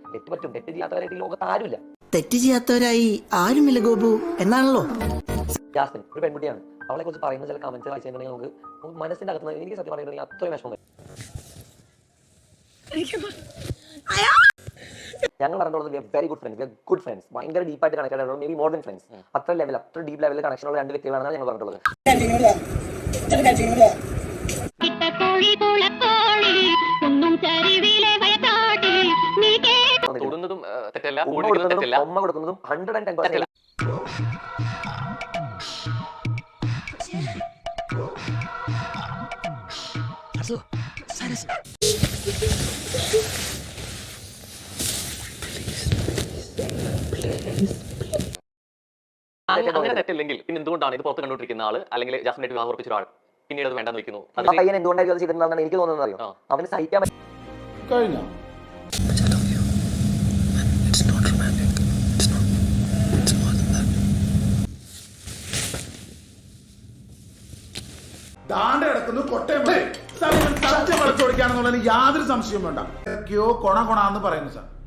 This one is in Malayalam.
തെറ്റ് പറ്റും, തെറ്റ് ചെയ്യാത്തവരായിട്ട് ഈ ലോകത്ത് ആരുമില്ല. തെറ്റ് ചെയ്യാത്തവരായി ആരുമില്ല ഗോപു എന്നാണല്ലോ. ജാസ്മിൻ ഒരു പെൺകുട്ടിയാണ്. അവളെ കുറിച്ച് പറയുന്ന ചില കമന്റ്സ് വായിച്ചിട്ടുണ്ടെങ്കിൽ നമുക്ക് മനസ്സിന്റെ അകത്ത് എനിക്ക് സത്യം പറയുന്നുണ്ടെങ്കിൽ അത്രയും വിഷമം വരും. ഞങ്ങൾ പറഞ്ഞിട്ടുള്ളത് വെരി ഗുഡ് ഫ്രണ്ട്സ്, ഭയങ്കര ഡീപ്പായിട്ട് കണക്റ്റഡ് ആണ്, may be more than friends. അത്ര ഡീപ്പ് ലെവലിൽ കണക്ഷൻ ഉള്ള രണ്ട് വ്യക്തികളാണ് ഞങ്ങൾ പറഞ്ഞിട്ടുള്ളത്. ഉമ്മ കൊടുക്കുന്നതും 110%. അങ്ങനെ തെറ്റില്ലെങ്കിൽ പിന്നെ എന്തുകൊണ്ടാണ് ഇത് പുറത്ത് കണ്ടുകൊണ്ടിരിക്കുന്ന ആള് അല്ലെങ്കിൽ ജാസ്മിനായിട്ട് വിവാഹം ഉറപ്പിച്ച ഒരാൾ പിന്നീട് അത് വേണ്ടെന്ന് വെക്കുന്നു? പയ്യൻ എന്തുകൊണ്ടായിരിക്കും അത് ചെയ്തിട്ടുണ്ടെന്നാണ് എനിക്ക് തോന്നുന്നത് അറിയോ? അവന് സഹിക്കാൻ കഴിഞ്ഞോ? ദാണ്ട് കിടക്കുന്നു കൊട്ടയം സത്യം വളച്ചോടിക്കാണെന്നുള്ളതിന് യാതൊരു സംശയവും വേണ്ട. കൊണ കൊണാന്ന് പറയുന്നു സാർ.